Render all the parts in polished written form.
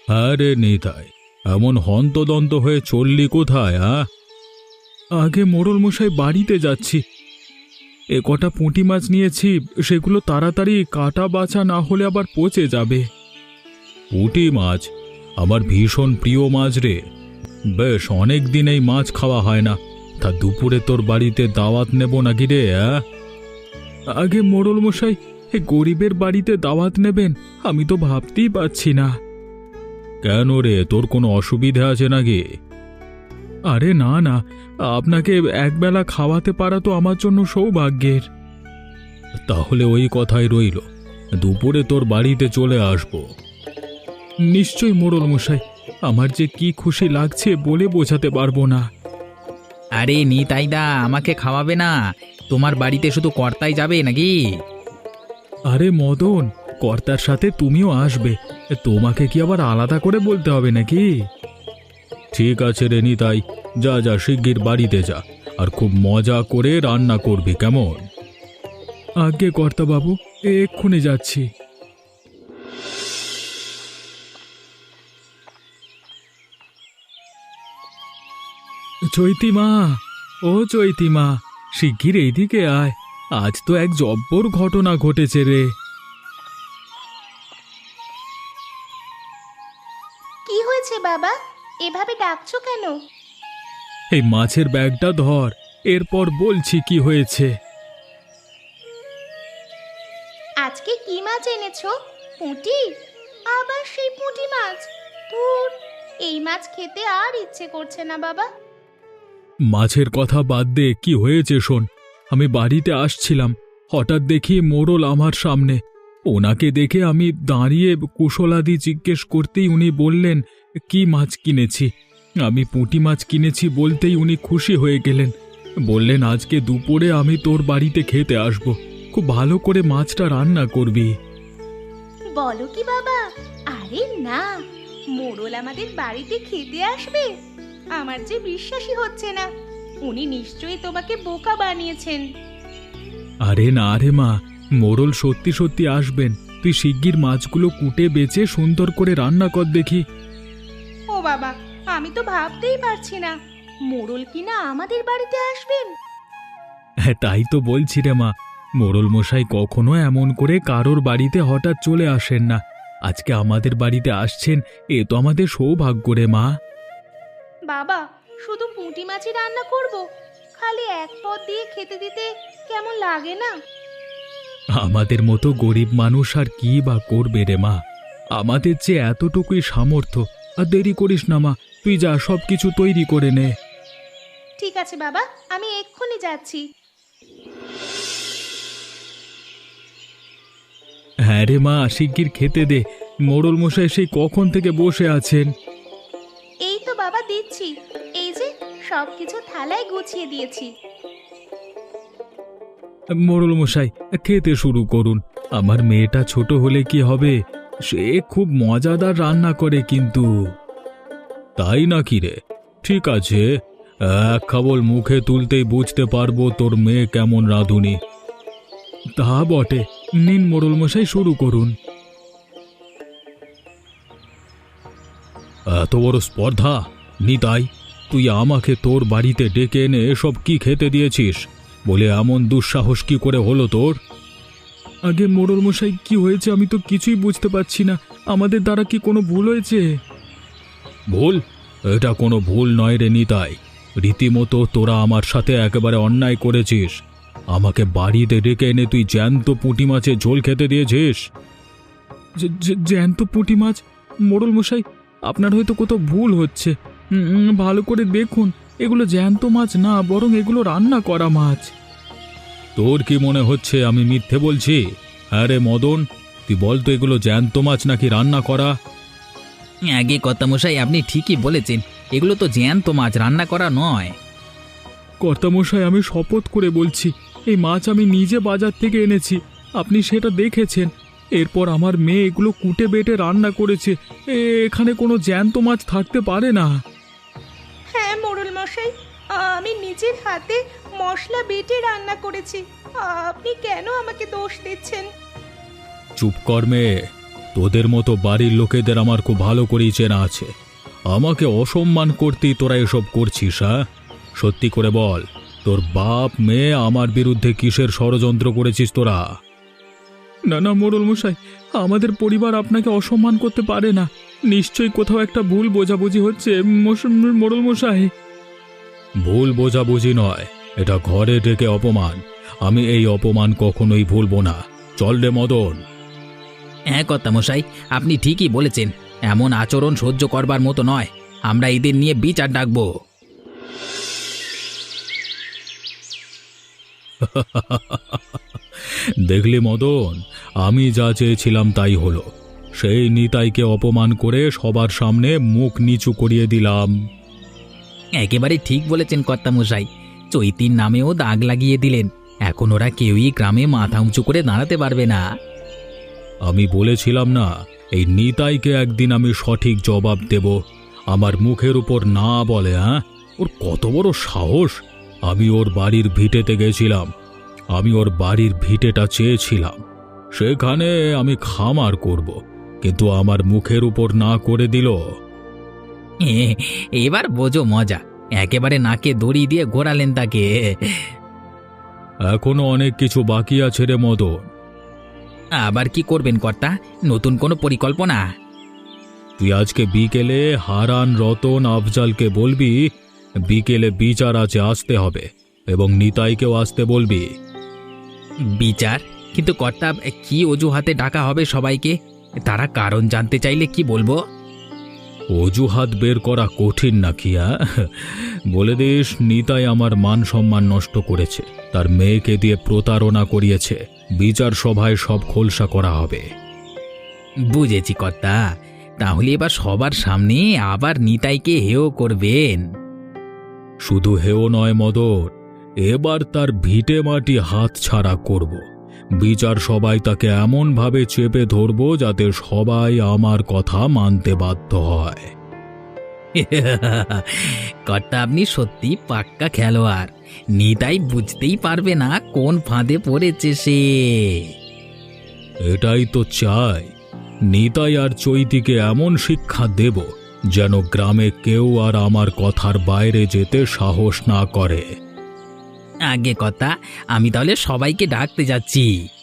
আরে নিতাই, এমন হন্তদন্ত হয়ে চললি কোথায়? আগে মোড়ল মশাই, বাড়িতে যাচ্ছি। এ কটা পুঁটি মাছ নিয়েছি, সেগুলো তাড়াতাড়ি কাটা বাছা না হলে আবার পচে যাবে। পুঁটি মাছ? আমার ভীষণ প্রিয় মাছ রে। বেশ অনেক দিন এই মাছ খাওয়া হয় না। তা দুপুরে তোর বাড়িতে দাওয়াত নেব নাকি রে? আগে মোড়ল মশাই, এ গরিবের বাড়িতে দাওয়াত নেবেন? আমি তো ভাবতেই পারছি না। কেন রে, তোর কোনো অসুবিধা আছে নাকি? আরে না না, আপনাকে একবেলা খাওয়াতে পারা তো আমার জন্য সৌভাগ্যের। তাহলে ওই কথাই রইল, দুপুরে তোর বাড়িতে চলে আসব। নিশ্চয়ই মোড়ল মশাই, আমার যে কি খুশি লাগছে বলে বোঝাতে পারবো না। আরে নিতাইদা, আমাকে খাওয়াবে না? তোমার বাড়িতে শুধু কর্তাই যাবে নাকি? আরে মদন, কর্তার সাথে তুমিও আসবে। তোমাকে কি আবার আলাদা করে বলতে হবে নাকি? ঠিক আছে রে নিতাই, যা যা শিগগির বাড়িতে যা, আর খুব মজা করে রান্না করবি, কেমন? আজ্ঞে কর্তাবাবু, এক্ষুনি যাচ্ছি। চৈতিমা, ও চৈতিমা, শিগগির এইদিকে আয়। আজ তো এক জব্বর ঘটনা ঘটেছে রে। কি হয়েছে বাবা? এভাবে ডাকছো কেন? এই মাছের ব্যাগটা ধর, এরপর বলছি কি হয়েছে। আজকে কি মাছ এনেছো? পুঁটি? আবার সেই পুঁটি মাছ? ধুর, এই মাছ খেতে আর ইচ্ছে করছে না বাবা। মাছের কথা বাদ দে, কি হয়েছে শোন। আমি বাড়িতে আসছিলাম, হঠাৎ দেখি মোড়ল আমার সামনে। ওনাকে দেখে আমি দাঁড়িয়ে কুশলাদি জিজ্ঞেস করতেই উনি বললেন কি মাছ কিনেছি। আমি পুঁটি মাছ কিনেছি বলতেই উনি খুশি হয়ে গেলেন। বললেন আজকে দুপুরে আমি তোর বাড়িতে খেতে আসব, খুব ভালো করে মাছটা রান্না করবি। বলো কি বাবা? আরে না, মোড়ল আমাদের বাড়িতে খেতে আসবে? আমার যে বিশ্বাসই হচ্ছে না। উনি নিশ্চয়ই তোমাকে বোকা বানিয়েছেন। আরে না রে মা, মোড়ল সত্যি সত্যি আসবেন। তুই শিগগির মাছগুলো কুটে বেচে সুন্দর করে রান্না কর দেখি। ও বাবা, আমি তো ভাবতেই পারছি না মোড়ল কিনা আমাদের বাড়িতে আসবেন। হ্যাঁ, তাই তো বলছি রে মা, মোড়ল মশাই কখনো এমন করে কারোর বাড়িতে হঠাৎ চলে আসেন না। আজকে আমাদের বাড়িতে আসছেন, এ তো আমাদের সৌভাগ্য রে মা। বাবা, শুধু পুঁটি মাছই রান্না করব? খালি এক পদ দিয়ে খেতে দিতে কেমন লাগে না? আমাদের মতো গরিব মানুষ আর কি বা করবে রে মা। আমাদের যে এতটুকুই সামর্থ্য। আর দেরি করিস না মা, তুই যা সবকিছু তৈরি করে নে। ঠিক আছে বাবা, আমি এক্ষুনি যাচ্ছি। হ্যাঁ রে মা, শিগগির খেতে দে। মোড়ল মশাই সেই কখন থেকে বসে আছেন। এই তো বাবা দিচ্ছি, এই যে সবকিছু থালায় গুছিয়ে দিয়েছি। মোড়ল মশাই, খেতে শুরু করুন। আমার মেয়েটা ছোট হলে কি হবে, সে খুব মজাদার রান্না করে কিন্তু। তাই নাকি রে? ঠিক আছে, এক খাবল মুখে তুলতেই বুঝতে পারবো তোর মেয়ে কেমন রাঁধুনি। তা বটে, নিন মোড়ল মশাই, শুরু করুন। এত বড় স্পর্ধা! নিতাই, তুই আমাকে তোর বাড়িতে ডেকে এনে এসব কি খেতে দিয়েছিস? বলে এমন দুঃসাহস কি করে হলো তোর? আগে মোড়ল মশাই, কি হয়েছে আমি তো কিছুই বুঝতে পারছি না। আমাদের দ্বারা কি কোনো ভুল হয়েছে? ভুল? এটা কোনো ভুল নয় রে নিতাই। রীতিমতো তোরা আমার সাথে একেবারে অন্যায় করেছিস। আমাকে বাড়িতে ডেকে এনে তুই জ্যান্ত পুঁটি মাছের ঝোল খেতে দিয়েছিস। জ্যান্ত পুঁটি মাছ? মোড়ল মশাই, আপনার হয়তো কোথাও ভুল হচ্ছে। ভালো করে দেখুন, এগুলো জ্যান্ত মাছ না, বরং এগুলো রান্না করা মাছ। তোর কি মনে হচ্ছে আমি মিথ্যে বলছি? আরে মদন, তুই বল তো, এগুলো জ্যান্ত মাছ নাকি রান্না করা? আগে কর্তামশাই, আপনি ঠিকই বলেছেন, এগুলো তো জ্যান্ত মাছ, রান্না করা নয়। কর্তামশাই, আমি শপথ করে বলছি, এই মাছ আমি নিজে বাজার থেকে এনেছি। আপনি সেটা দেখেছেন। এরপর আমার মেয়ে এগুলো কুটে বেটে রান্না করেছে। এখানে কোনো জ্যান্ত মাছ থাকতে পারে না। হ্যাঁ মোড়ল মশাই, আমি নিজের হাতে মশলা বেটে রান্না করেছি। আপনি কেন আমাকে দোষ দিচ্ছেন? চুপ কর মেয়ে, তোদের মতো বাড়ির লোকেদের আমার খুব ভালো করেই চেনা আছে। আমাকে অসম্মান করতেই তোরা এসব করছিস, হ্যাঁ? সত্যি করে বল, তোর বাপ মেয়ে আমার বিরুদ্ধে কিসের ষড়যন্ত্র করেছিস তোরা? না না মোড়ল মশাই, আমাদের পরিবার আপনাকে অসম্মান করতে পারে না। নিশ্চয়ই কোথাও একটা ভুল বোঝাবুঝি হচ্ছে মোড়ল মশাই। ভুল বোঝাবুঝি নয়, এটা ঘরে ডেকে অপমান। আমি এই অপমান কখনোই ভুলবো না। চল রে মদন। হ্যাঁ কর্তামশাই, আপনি ঠিকই বলেছেন। এমন আচরণ সহ্য করবার মতো নয়। আমরা এদের নিয়ে বিচার ডাকবো। দেখলি মদন, আমি যা চেয়েছিলাম তাই হলো। সেই নিতাইকে অপমান করে সবার সামনে মুখ নিচু করিয়ে দিলাম। একেবারে ঠিক বলেছেন কর্তামশাই। চৈতির নামেও দাগ লাগিয়ে দিলেন। এখন ওরা কেউই গ্রামে মাথা উঁচু করে দাঁড়াতে পারবে না। আমি বলেছিলাম না, এই নিতাইকে একদিন আমি সঠিক জবাব দেব। আমার মুখের উপর না বলে, হ্যাঁ? ওর কত বড় সাহস! আমি ওর বাড়ির ভিটেতে গেছিলাম। আমি ওর বাড়ির ভিটেটা চেয়েছিলাম। সেখানে আমি খামার করব, কিন্তু আমার মুখের উপর না করে দিল। এবার বোঝো মজা। একেবারে নাকে দড়ি দিয়ে ঘোরালেন তাকে। এখনো অনেক কিছু বাকি আছে রে মদন। আবার কি করবেন কর্তা? নতুন কোনো পরিকল্পনা? তুই আজকে বিকেলে হারান, রতন, আফজালকে বলবি বিকেলে বিচার আছে, আসতে হবে, এবং নিতাইকেও আসতে বলবি। বিচার? কিন্তু কর্তা, কি অজুহাতে ডাকা হবে সবাইকে? তারা কারণ জানতে চাইলে কি বলবো? অজুহাত বের করা কঠিন নাকি? বলে দিস, নিতাই আমার মান সম্মান নষ্ট করেছে, তার মেয়েকে দিয়ে প্রতারণা করিয়েছে। বিচার সভায় সব খোলসা করা হবে। বুঝেছি কর্তা। তাহলে এবার সবার সামনে আবার নিতাইকে হেয় করবেন? শুধু হেও নয় মদন, এবার তার ভিটে মাটি হাত ছাড়া করব। বিচার সবাই তাকে এমনভাবে চেপে ধরব যাতে সবাই আমার কথা মানতে বাধ্য হয়। কর্তা, আপনি সত্যি পাক্কা খেলোয়াড়। নিতাই বুঝতেই পারবে না কোন ফাঁদে পড়েছে সে। এটাই তো চাই। নিতাই আর চৈতিকে এমন শিক্ষা দেব যেন গ্রামে কেউ আর আমার কথার বাইরে যেতে সাহস না করে। আগে কথা, আমি তাহলে সবাইকে ডাকতে যাচ্ছি।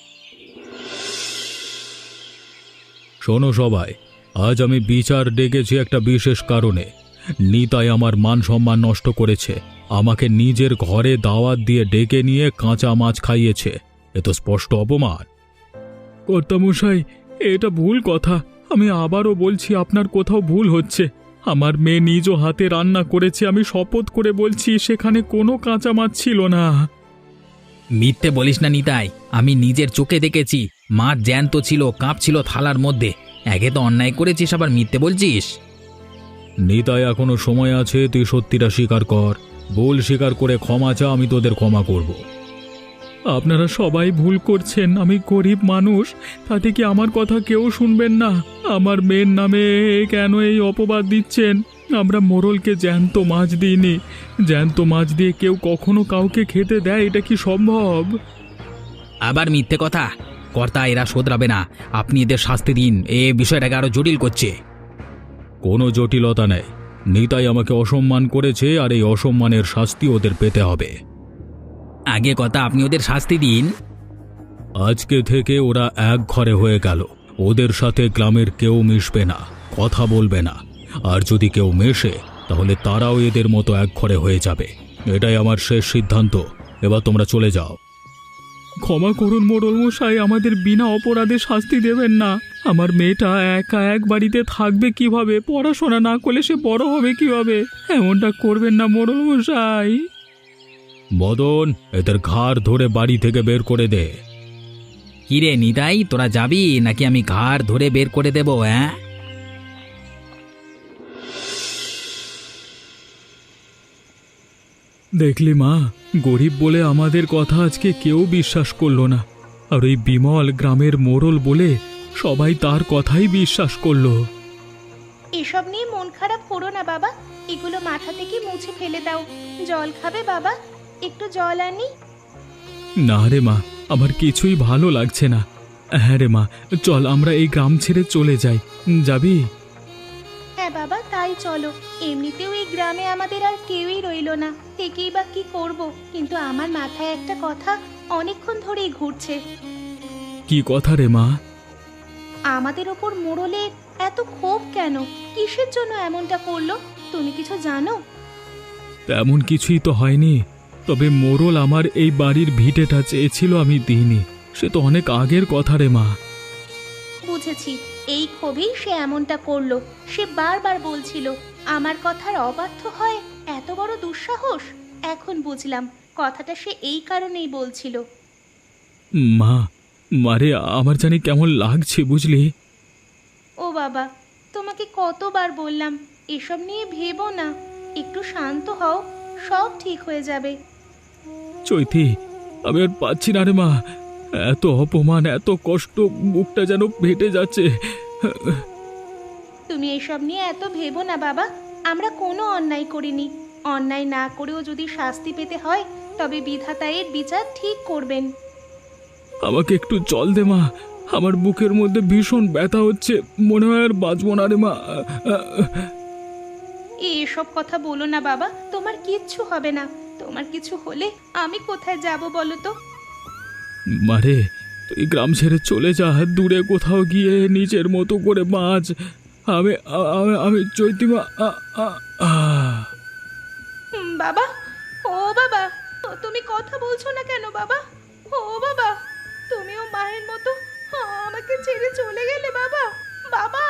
শোনো সবাই, আজ আমি বিচার ডেকেছি একটা বিশেষ কারণে। নিতাই আমার মান সম্মান নষ্ট করেছে। আমাকে নিজের ঘরে দাওয়াত দিয়ে ডেকে নিয়ে কাঁচা মাছ খাইয়েছে। এ তো স্পষ্ট অপমান। কর্তামশাই, এটা ভুল কথা। আমি আবারও বলছি, আপনার কোথাও ভুল হচ্ছে। আমার মেয়ে নিজ হাতে রান্না করেছে। আমি শপথ করে বলছি, সেখানে কোনো কাঁচা মাছ ছিল না। মিথ্যে বলিস না নিতাই। আমি নিজের চোখে দেখেছি। মাছ জ্যান্ত ছিল, কাঁপছিল থালার মধ্যে। একে তো অন্যায় করেছিস, আবার মিথ্যে বলছিস। নিতাই, এখনো সময় আছে, তুই সত্যিটা স্বীকার কর। ভুল স্বীকার করে ক্ষমা চা, আমি তোদের ক্ষমা করব। আপনারা সবাই ভুল করছেন। আমি গরিব মানুষ, তাতে কি আমার কথা কেউ শুনবেন না? আমার মেয়ের নামে কেন এই অপবাদ দিচ্ছেন? আমরা মোড়লকে জ্যান্ত মাছ দিইনি। জ্যান্ত মাছ দিয়ে কেউ কখনো কাউকে খেতে দেয়? এটা কি সম্ভব? আবার মিথ্যে কথা। কর্তা, এরা শোধরাবে না। আপনি এদের শাস্তি দিন। এ বিষয়টাকে আরো জটিল করছে। কোনো জটিলতা নেই। নিতাই আমাকে অসম্মান করেছে, আর এই অসম্মানের শাস্তি ওদের পেতে হবে। আগে কথা, আপনি ওদের শাস্তি দিন। আজকে থেকে ওরা এক ঘরে হয়ে গেল। ওদের সাথে গ্রামের কেউ মিশবে না, কথা বলবে না। আর যদি কেউ মেশে, তাহলে তারাও এদের মতো এক ঘরে হয়ে যাবে। এটাই আমার শেষ সিদ্ধান্ত। এবার তোমরা চলে যাও। ক্ষমা করুন মোড়ল মশাই, আমাদের বিনা অপরাধে শাস্তি দেবেন না। আমার মেয়েটা একা এক বাড়িতে থাকবে কিভাবে? পড়াশোনা না করলে সে বড় হবে কিভাবে? এমনটা করবেন না মোড়ল মশাই। মদন, এদের ঘাড় ধরে বাড়ি থেকে বের করে দে। কিরে নিতাই, তোরা যাবি নাকি আমি ঘাড় ধরে বের করে দেব? হ্যাঁ, দেখলি মা, গরিব বলে আমাদের কথা আজকে কেউ বিশ্বাস করলো না। আর ওই বিমল গ্রামের মোড়ল বলে সবাই তার কথাই বিশ্বাস করলো। এসব নিয়ে মন খারাপ করো না বাবা, এগুলো মাথা থেকে মুছে ফেলে দাও। জল খাবে বাবা? একটু জল আনি? না রে মা, আমার কিছুই ভালো লাগছে না। হ্যাঁ রে মা, চল আমরা এই গ্রাম ছেড়ে চলে যাই। যাবি? হ্যাঁ বাবা, তাই চলো। এমনিতেও এই গ্রামে আমাদের আর কেউই রইলো না, থেকেই বা কি করব। কিন্তু আমার মাথায় একটা কথা অনেকক্ষণ ধরেই ঘুরছে। কি কথা রে মা? আমাদের ওপর মোড়লের এত ক্ষোভ কেন? কিসের জন্য এমনটা করলো? তুমি কিছু জানো? তেমন কিছুই তো হয়নি, তবে মোড়ল আমার এই বাড়ির ভিটেটা চেয়েছিল, আমি দিইনি। সে তো অনেক আগের কথা রে মা। বুঝেছি, এই ক্ষোভেই সে এমনটা করলো। সে বারবার বলছিল আমার কথার অবাধ্য হয়, এত বড় দুঃসাহস। এখন বুঝলাম কথাটা সে এই কারণেই বলছিল। মা, মারে আমার জানি কেমন লাগছে বুঝলি। ও বাবা, তোমাকে কতবার বললাম এসব নিয়ে ভেবো না, একটু শান্ত হও, সব ঠিক হয়ে যাবে। চৈতি, আমি আর পাচ্ছি না রে মা, এত অপমান, এত কষ্ট, বুকটা যেন ফেটে যাচ্ছে। তুমি এসব নিয়ে এত ভেবো না বাবা, আমরা কোনো অন্যায় করিনি। অন্যায় না করেও যদি শাস্তি পেতে হয়, তবে বিধাতা এর বিচার ঠিক করবেন। আমাকে একটু জল দে মা, আমার বুকের মধ্যে ভীষণ ব্যথা হচ্ছে, মনে হয় আর বাঁচবো না রে মা। এসব কথা বলো না বাবা, তোমার কিচ্ছু হবে না। তোমার কিছু হলে আমি কোথায় যাব বলো তো? মারে, তুই গ্রাম ছেড়ে চলে যা, দূরে কোথাও গিয়ে নিজের মতো করে বাঁচ। আমি আমি চৈতিমা। বাবা, ও বাবা, তুমি কথা বলছো না কেন বাবা? ও বাবা, তুমিও মায়ের মতো আমাকে ছেড়ে চলে গেলে বাবা। বাবা,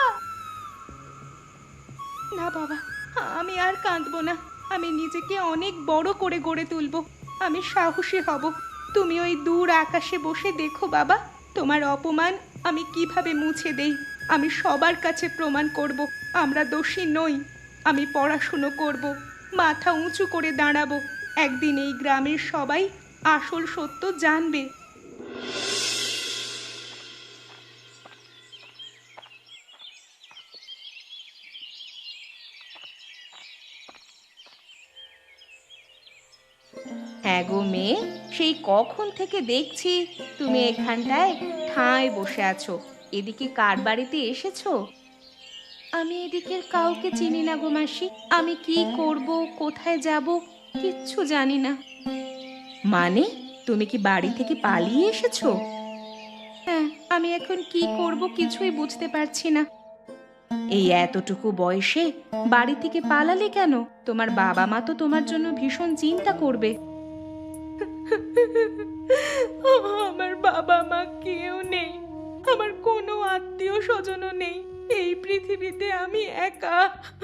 না বাবা, আমি আর কাঁদবো না। আমি নিজেকে অনেক বড় করে গড়ে তুলবো। আমি সাহসী হব। তুমি ওই দূর আকাশে বসে দেখো বাবা, তোমার অপমান আমি কিভাবে মুছে দেই। আমি সবার কাছে প্রমাণ করব আমরা দোষী নই। আমি পড়াশুনো করব, মাথা উঁচু করে দাঁড়াবো। একদিন এই গ্রামের সবাই আসল সত্য জানবে। হ্যাঁ গো মেয়ে, সেই কখন থেকে দেখছি তুমি এখানটায় ঠায় বসে আছো। এদিকে কার বাড়িতে এসেছো? আমি এদিকের কাউকে চিনি না গো মাসি। আমি কি করব, কোথায় যাব, কিচ্ছু জানি না। মানে, তুমি কি বাড়ি থেকে পালিয়ে এসেছো? হ্যাঁ, আমি এখন কি করব কিছুই বুঝতে পারছি না। এই এতটুকু বয়সে বাড়ি থেকে পালালে কেন? তোমার বাবা মা তো তোমার জন্য ভীষণ চিন্তা করবে। আমার বাবা মা কেউ নেই, আমার কোনো আত্মীয় স্বজনও নেই। এই পৃথিবীতে আমি একা।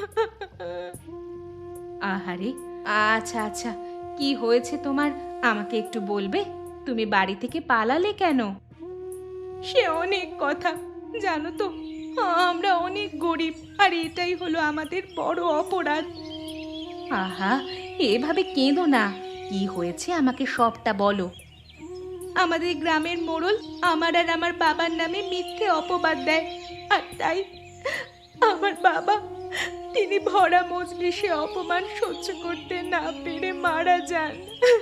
আহারে, আচ্ছা আচ্ছা, কি হয়েছে তোমার আমাকে একটু বলবে? তুমি বাড়ি থেকে পালালে কেন? সে অনেক কথা, জানো তো আমরা অনেক গরিব, আর এটাই হলো আমাদের বড় অপরাধ। আহা, এভাবে কেঁদো না। কি হয়েছে আমাকে সবটা বলো। আমাদের গ্রামের মোড়ল আমার আর আমার বাবার নামে মিথ্যে অপবাদ দেয়, আর তাই আমার বাবা, তিনি ভরা মজলিসে অপমান সহ্য করতে না পেরে মারা যান।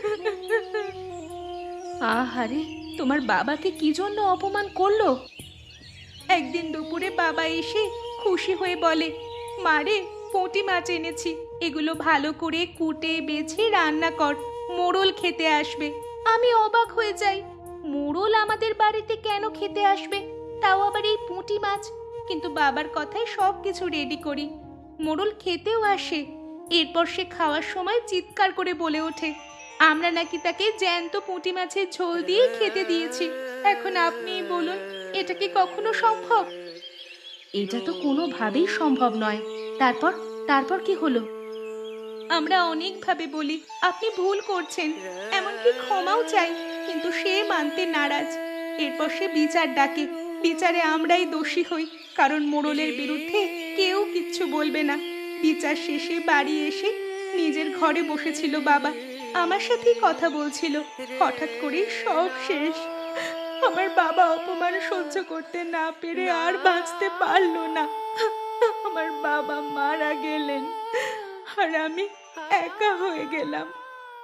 আহারে, তোমার বাবাকে কি জন্য অপমান করলো? একদিন দুপুরে বাবা এসে খুশি হয়ে বলে, মারে, পুঁটি মাছ এনেছি, এগুলো ভালো করে কুটে বেছে রান্না কর, মোড়ল খেতে আসবে। আমি অবাক হয়ে যাই, মোড়ল আমাদের বাড়িতে কেন খেতে আসবে, তাও আবার এই পুঁটি মাছ? কিন্তু বাবার কথায় সব কিছু রেডি করি। মোড়ল খেতেও আসে। এরপর সে খাওয়ার সময় চিৎকার করে বলে ওঠে, আমরা নাকি তাকে জ্যান্ত পুঁটি মাছের ঝোল দিয়ে খেতে দিয়েছি। এখন আপনিই বলুন, এটা কি কখনো সম্ভব? এটা তো কোনোভাবেই সম্ভব নয়। তারপর তারপর কি হলো? আমরা অনেকভাবে বলি আপনি ভুল করছেন, এমনকি ক্ষমাও চাই, কিন্তু সে মানতে নারাজ। এরপর সে বিচার ডাকে। বিচারে আমরাই দোষী হই, কারণ মোড়লের বিরুদ্ধে কেউ কিচ্ছু বলবে না। বিচার শেষে বাড়ি এসে নিজের ঘরে বসেছিল বাবা, আমার সাথেই কথা বলছিল। হঠাৎ করে সব শেষ। আমার বাবা অপমান সহ্য করতে না পেরে আর বাঁচতে পারলো না। আমার বাবা মারা গেলেন, আর আমি একা হয়ে গেলাম।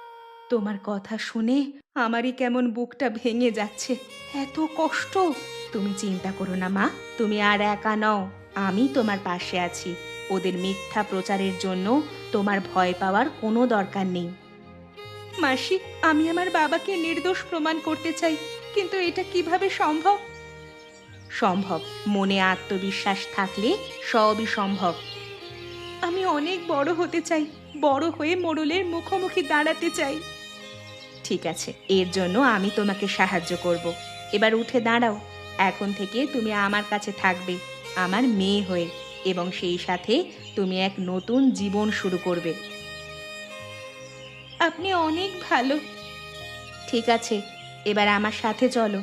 তোমার কথা শুনে আমারই কেমন বুকটা ভেঙে যাচ্ছে। এত কষ্ট, তুমি চিন্তা করো না মা, তুমি আর একা নও, আমি তোমার পাশে আছি। ওদের মিথ্যা প্রচারের জন্য তোমার ভয় পাওয়ার কোনো দরকার নেই। মাসি, আমি আমার বাবাকে নির্দোষ প্রমাণ করতে চাই, কিন্তু এটা কিভাবে সম্ভব? সম্ভব, মনে আত্মবিশ্বাস থাকলে সবই সম্ভব। আমি অনেক বড় হতে চাই, বড় হয়ে মোড়লের মুখোমুখি দাঁড়াতে চাই। ঠিক আছে, এর জন্য আমি তোমাকে সাহায্য করব। এবার উঠে দাঁড়াও। এখন থেকে তুমি আমার কাছে থাকবে, আমার মেয়ে হয়ে, এবং সেই সাথে তুমি এক নতুন জীবন শুরু করবে। আপনি অনেক ভালো। ঠিক আছে, এবার আমার সাথে চলো।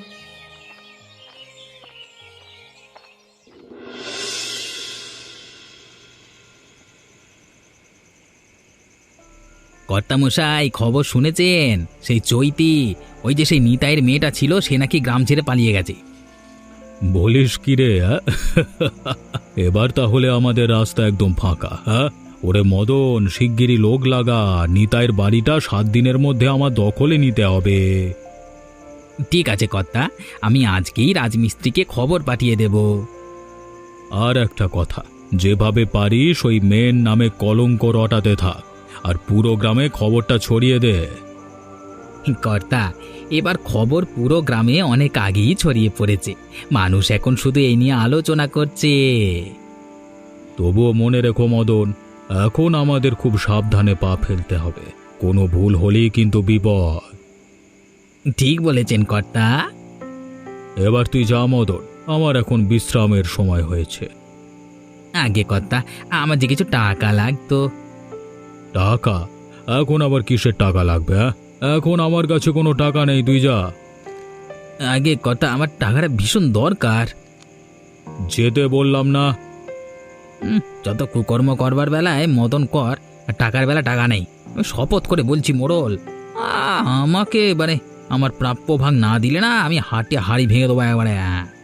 কর্তামশাই, খবর শুনেছেন? সেই চৈতি, ওই যে সেই নিতাইয়ের মেয়েটা ছিল, সে নাকি গ্রাম ছেড়ে পালিয়ে গেছে। বলিস কি রে? এবার তাহলে আমাদের রাস্তা একদম ফাঁকা। হ্যাঁ, ওরে মদন, শিগগিরই লোক লাগা, নিতাইয়ের বাড়িটা 7 দিনের মধ্যে আমার দখলে নিতে হবে। ঠিক আছে কর্তা, আমি আজকেই রাজমিস্ত্রিকে খবর পাঠিয়ে দেব। আর একটা কথা, যেভাবে পারিস ওই মেয়ের নামে কলঙ্ক রটাতে থাক, আর পুরো গ্রামে খবরটা ছড়িয়ে দে। কর্তা, এবার খবর পুরো গ্রামে অনেক আগেই ছড়িয়ে পড়েছে, মানুষ এখন শুধু এই নিয়ে আলোচনা করছে। তবুও মনে রেখো মদন, এখন আমাদের খুব সাবধানে পা ফেলতে হবে, কোনো ভুল হলেই কিন্তু বিপদ। ঠিক বলেছেন কর্তা। এবার তুই যা মদন, আমার এখন বিশ্রামের সময় হয়েছে। আগে কর্তা, আমার যে কিছু টাকা লাগতো। টাকা? এখন আবার কিসের টাকা লাগবে? হ্যাঁ, এখন আমার কাছে কোনো টাকা নেই, তুই যা। আগে কর্তা, আমার টাকাটা ভীষণ দরকার। যেতে বললাম না? যত কুকর্ম করবার বেলায় মদন কর, আর টাকার বেলা টাকা নেই। আমি শপথ করে বলছি মোড়ল, আমাকে মানে আমার প্রাপ্য ভাগ না দিলে না, আমি হাড়ি ভেঙে দেবো একবারে।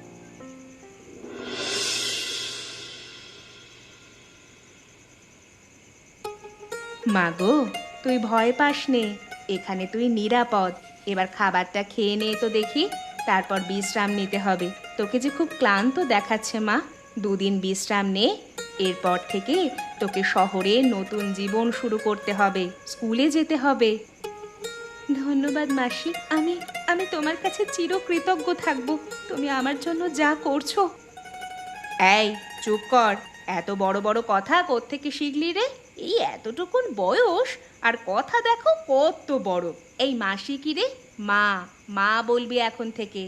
মাগো, তুই ভয় পাস নে, এখানে তুই নিরাপদ। এবার খাবারটা খেয়ে নে তো দেখি, তারপর বিশ্রাম নিতে হবে। তোকে যে খুব ক্লান্ত দেখাচ্ছে মা, 2 দিন বিশ্রাম নে। এরপর থেকে তোকে শহরে নতুন জীবন শুরু করতে হবে, স্কুলে যেতে হবে। ধন্যবাদ মাসি, আমি আমি তোমার কাছে চিরকৃতজ্ঞ থাকবো, তুমি আমার জন্য যা করছো। এই চুপ কর, এত বড় বড় কথা কোত্থেকে শিখলি রে? এই এতটুকুন বয়স আর কথা দেখো কত বড়। এই মাসি কি রে? মা, মা বলবি এখন থেকে।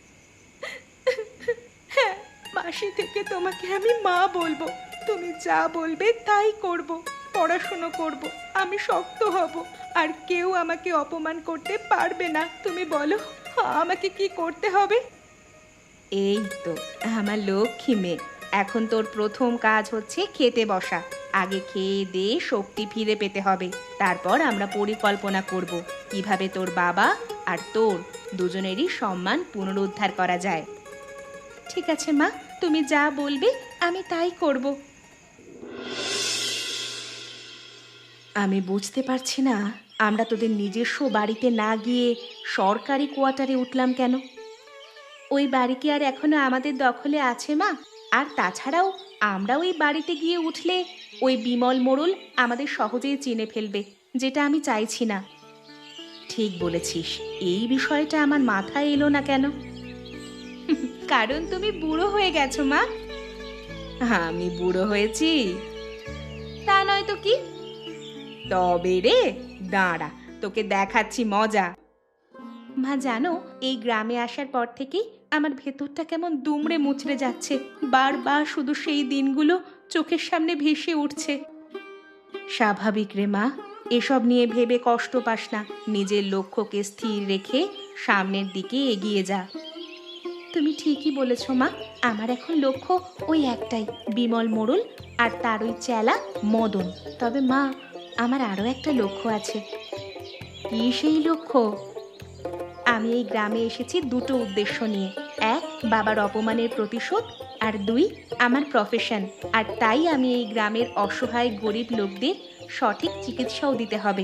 হ্যাঁ, মাসি থেকে তোমাকে আমি মা বলবো। তুমি যা বলবে তাই করব, পড়াশুনো করব, আমি শক্ত হব, আর কেউ আমাকে অপমান করতে পারবে না। তুমি বলো, আমাকে কি করতে হবে? এই তো আমার লক্ষ্মী মেয়ে, এখন তোর প্রথম কাজ হচ্ছে খেতে বসা। আগে খেয়ে দে শক্তি ফিরে পেতে হবে, তারপর আমরা পরিকল্পনা করব কিভাবে তোর বাবা আর তোর দুজনেরই সম্মান পুনরুদ্ধার করা যায়। ঠিক আছে মা, তুমি যা বলবে আমি তাই করব। আমি বুঝতে পারছি না, আমরা তোদের নিজস্ব বাড়িতে না গিয়ে সরকারি কোয়ার্টারে উঠলাম কেন? ওই বাড়ি কি আর এখনো আমাদের দখলে আছে মা? আর তাছাড়াও আমরা ওই বাড়িতে গিয়ে উঠলে ওই বিমল মোড়ল আমাদের সহজেই চিনে ফেলবে, যেটা আমি চাইছি না। ঠিক বলেছিস, এই বিষয়টা আমার মাথায় এলো না কেন? কারণ তুমি বুড়ো হয়ে গেছো মা। আমি বুড়ো হয়েছি? তা নয় তো কি। তবে রে, দাঁড়া, তোকে দেখাচ্ছি মজা। মা জানো, এই গ্রামে আসার পর থেকে আমার ভেতরটা কেমন দুমড়ে মুচড়ে যাচ্ছে, বারবার শুধু সেই দিনগুলো চোখের সামনে ভেসে উঠছে। স্বাভাবিক রে মা, এসব নিয়ে ভেবে কষ্ট পাস না, নিজের লক্ষ্যকে স্থির রেখে সামনের দিকে এগিয়ে যা। তুমি ঠিকই বলেছ মা, আমার এখন লক্ষ্য ওই একটাই, বিমল মোড়ল আর তার ওই চেলা মদন। তবে মা, আমার আরও একটা লক্ষ্য আছে। কি সেই লক্ষ্য? আমি এই গ্রামে এসেছি 2টো উদ্দেশ্য নিয়ে। 1, বাবার অপমানের প্রতিশোধ, আর 2, আমার প্রফেশন। আর তাই আমি এই গ্রামের অসহায় গরিব লোকদের সঠিক চিকিৎসাও দিতে হবে।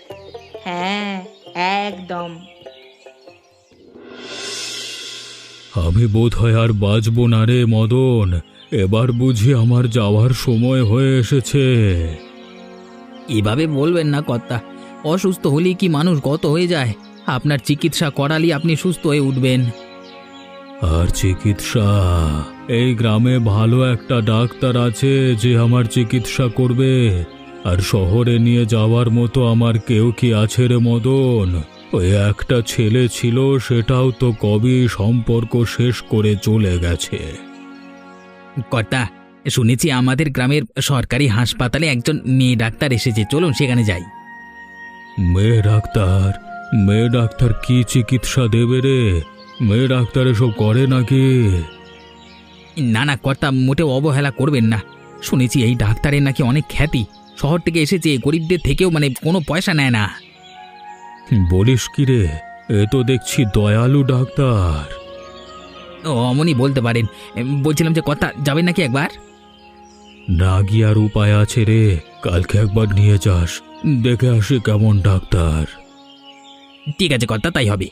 হ্যাঁ, একদম। আমি বোধহয় আর বাঁচব না রে মদন। এবার বুঝি আমার যাওয়ার সময় হয়ে এসেছে। এভাবে বলবেন না কর্তা, অসুস্থ হলেই কি মানুষ গত হয়ে যায়? আপনার চিকিৎসা করালেই আপনি সুস্থ হয়ে উঠবেন। আর চিকিৎসা? এই গ্রামে ভালো একটা ডাক্তার আছে যে আমার চিকিৎসা করবে। আর শহরে নিয়ে যাওয়ার মতো আমার কেউ কি আছে রে মদন? ওই একটা ছেলে ছিল, সেটাও তো কবে সম্পর্ক শেষ করে চলে গেছে। কর্তা, শুনেছি আমাদের গ্রামের সরকারি হাসপাতালে একজন মেয়ে ডাক্তার এসেছে, চলুন সেখানে যাই। মেয়ে ডাক্তার? মেয়ে ডাক্তার কি চিকিৎসা দেবে রে? মেয়ে ডাক্তার এসব করে নাকি? না না কর্তা, মোটেও অবহেলা করবেন না। শুনেছি এই ডাক্তারের নাকি অনেক খ্যাতি, শহর থেকে এসেছে, গরিবদের থেকেও কোনো পয়সা নেয় না। বলিস কি রে? এ তো দেখছি দয়ালু ডাক্তার। অমনি বলতে পারেন। বলছিলাম যে কর্তা, যাবেন নাকি একবার? না গিয়ে আর উপায় আছে রে? কালকে একবার নিয়ে যাস, দেখে আসি কেমন ডাক্তার। ঠিক আছে কর্তা, তাই হবে।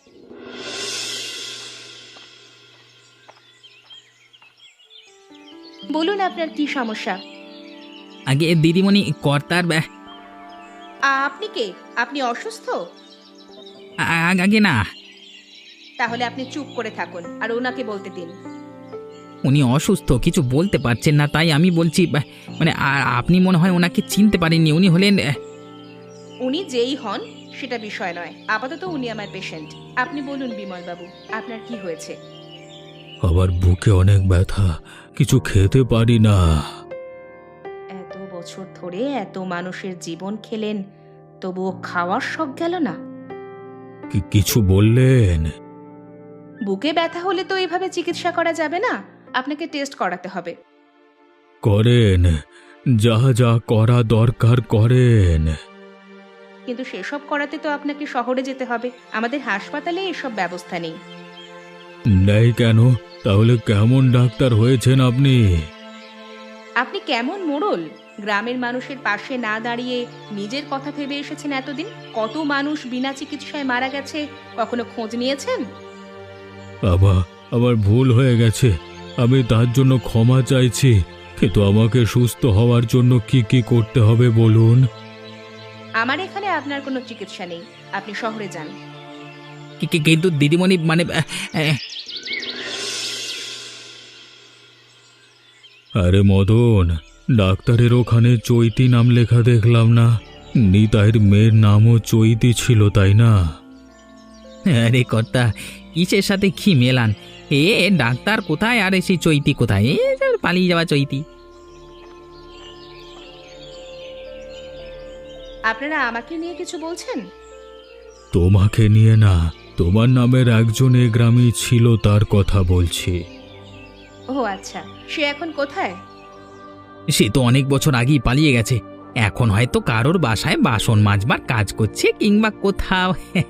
বলুন আপনার কি সমস্যা? আগে দিদিমণি, কর্তার আপনি কে? আপনি অসুস্থ? আগে না, তাহলে আপনি চুপ করে থাকুন আর ওনাকে বলতে দিন। উনি অসুস্থ, কিছু বলতে পারছেন না, তাই আমি বলছি। আপনি মনে হয় ওনাকে চিনতে পারেননি। উনি হলেন উনি যেই হন সেটা বিষয় নয়, আপাতত উনি আমার পেশেন্ট। আপনি বলুন বিমল বাবু, আপনার কি হয়েছে? আবার বুকে অনেক ব্যথা, কিছু খেতে পারি না। এত বছর ধরে এত মানুষের জীবন খেলেন, তবুও খাওয়ার শখ গেল না? কিছু বললেন? বুকে ব্যথা হলে তো এভাবে চিকিৎসা করা যাবে না, আপনাকে টেস্ট করাতে হবে। করেন, যা যা করা দরকার করেন। কিন্তু সেসব করাতে তো আপনাকে শহরে যেতে হবে, আমাদের হাসপাতালে এসব ব্যবস্থা নেই। নেই কেন? তাহলে কেমন ডাক্তার হয়েছেন আপনি? আপনি কেমন মোড়ল? গ্রামের মানুষের পাশে না দাঁড়িয়ে নিজের কথা ভেবে এসেছেন এতদিন। কত মানুষ বিনা চিকিৎসায় মারা গেছে, কখনো খোঁজ নিয়েছেন? আমার ভুল হয়ে গেছে, আমি তার জন্য ক্ষমা চাইছি। কিন্তু আমাকে সুস্থ হওয়ার জন্য কি কি করতে হবে বলুন? আমার এখানে আপনার কোনো চিকিৎসা নেই, আপনি শহরে যান। কিন্তু দিদিমণি আরে মদন, ডাক্তারের ওখানে চৈতি নাম লেখা দেখলাম না? নিতাইয়ের মেয়ের নামও চৈতি ছিল, তাই না? আরে কর্তা, কিসের সাথে কি মেলান? ডাক্তার কোথায় আর সেই চৈতি কোথায়? পালিয়ে যাওয়া চৈতি। আপনারা আমাকে নিয়ে কিছু বলছেন? তোমাকে নিয়ে না, তোমার নামের একজন এ গ্রামে ছিল, তার কথা বলছি। ও আচ্ছা, সে এখন কোথায়? সে তো অনেক বছর আগেই পালিয়ে গেছে। এখন হয়তো কারোর বাসায় বাসন মাজবার কাজ করছে, কিংবা কোথাও।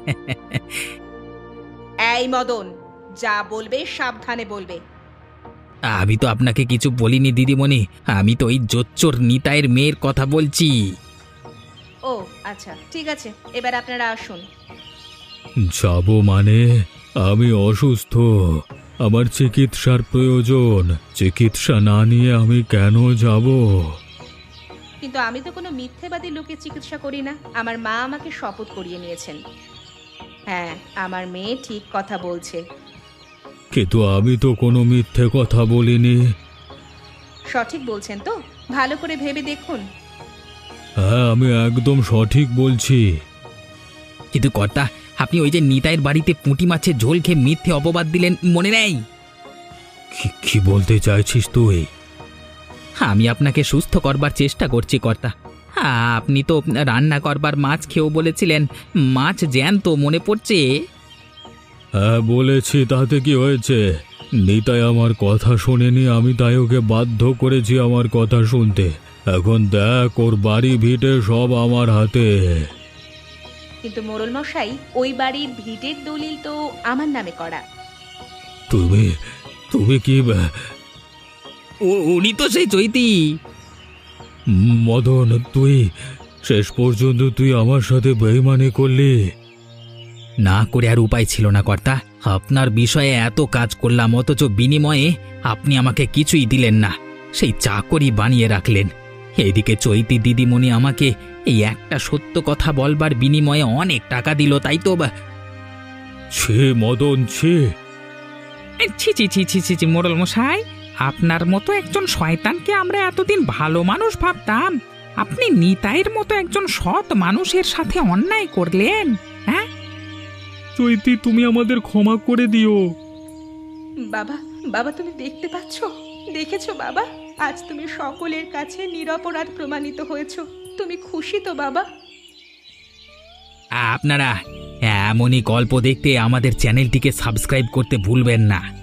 এই মদন, যা বলবে সাবধানে বলবে। আমি তো আপনাকে কিছু বলিনি দিদিমণি, আমি তো ওই জোচ্চোর নিতাইয়ের মেয়ের কথা বলছি। ও আচ্ছা, ঠিক আছে, এবার আপনারা আসুন। যাব মানে? আমি অসুস্থ, আমার চিকিৎসার প্রয়োজন। চিকিৎসা না নিয়ে আমি কেন যাব? কিন্তু আমি তো কোনো মিথ্যেবাদী লোকের চিকিৎসা করি না, আমার মা আমাকে শপথ করিয়ে নিয়েছেন। হ্যাঁ, আমার মেয়ে ঠিক কথা বলছে। কিন্তু আমি তো কোনো মিথ্যে কথা বলিনি। সঠিক বলছেন তো? ভালো করে ভেবে দেখুন। হ্যাঁ, আমি একদম সঠিক বলছি। কিন্তু কর্তা, আপনি ওই যে নিতাইয়ের বাড়িতে পুঁটি মাছের ঝোল খেয়ে মিথ্যে অপবাদ দিলেন, মনে নেই? কি বলতে চাইছিস তুই? আমি আপনাকে সুস্থ করবার চেষ্টা করছি কর্তা। আপনি তো রান্না করবার মাছ খেয়েও বলেছিলেন, মাছ জ্যান্ত, মনে পড়ছে? হ্যাঁ বলেছি, তাতে কি হয়েছে? নিতাই আমার কথা শোনেনি, আমি তাই ওকে বাধ্য করেছি আমার কথা শুনতে। এখন দেখ, ওর বাড়ি ভিটে সব আমার হাতে। কিন্তু মোড়ল মশাই, ওই বাড়ির ভিটের দলিল তো আমার নামে করা। তুমি কি? উনি তো সেই চৈতি। মদন, তুই শেষ পর্যন্ত তুই আমার সাথে বেইমানি করলি। না করে আর উপায় ছিল না কর্তা, আপনার বিষয়ে এত কাজ করলাম, অথচ বিনিময়ে আপনি আমাকে কিছুই দিলেন না, সেই চাকরি বানিয়ে রাখলেন। এইদিকে চৈতি দিদিমণি আমাকে এই একটা সত্য কথা বলবার বিনিময়ে অনেক টাকা দিল, তাই তো ছি মদন, ছি। ছি ছি ছি ছি ছি ছি মোড়ল মশাই, আপনার মতো একজন শয়তানকে আমরা এতদিন ভালো মানুষ ভাবতাম, আপনি নিতাইয়ের মতো একজন সৎ মানুষের সাথে অন্যায় করলেন। হ্যাঁ, চৈতি, তুমি আমাদের ক্ষমা করে দিও। বাবা, বাবা তুমি দেখতে পাচ্ছ, দেখেছো বাবা, আজ তুমি সকলের কাছে নিরপরাধ প্রমাণিত হয়েছো। তুমি খুশি তো বাবা? আপনারা এমনই গল্প দেখতে আমাদের চ্যানেলটিকে সাবস্ক্রাইব করতে ভুলবেন না।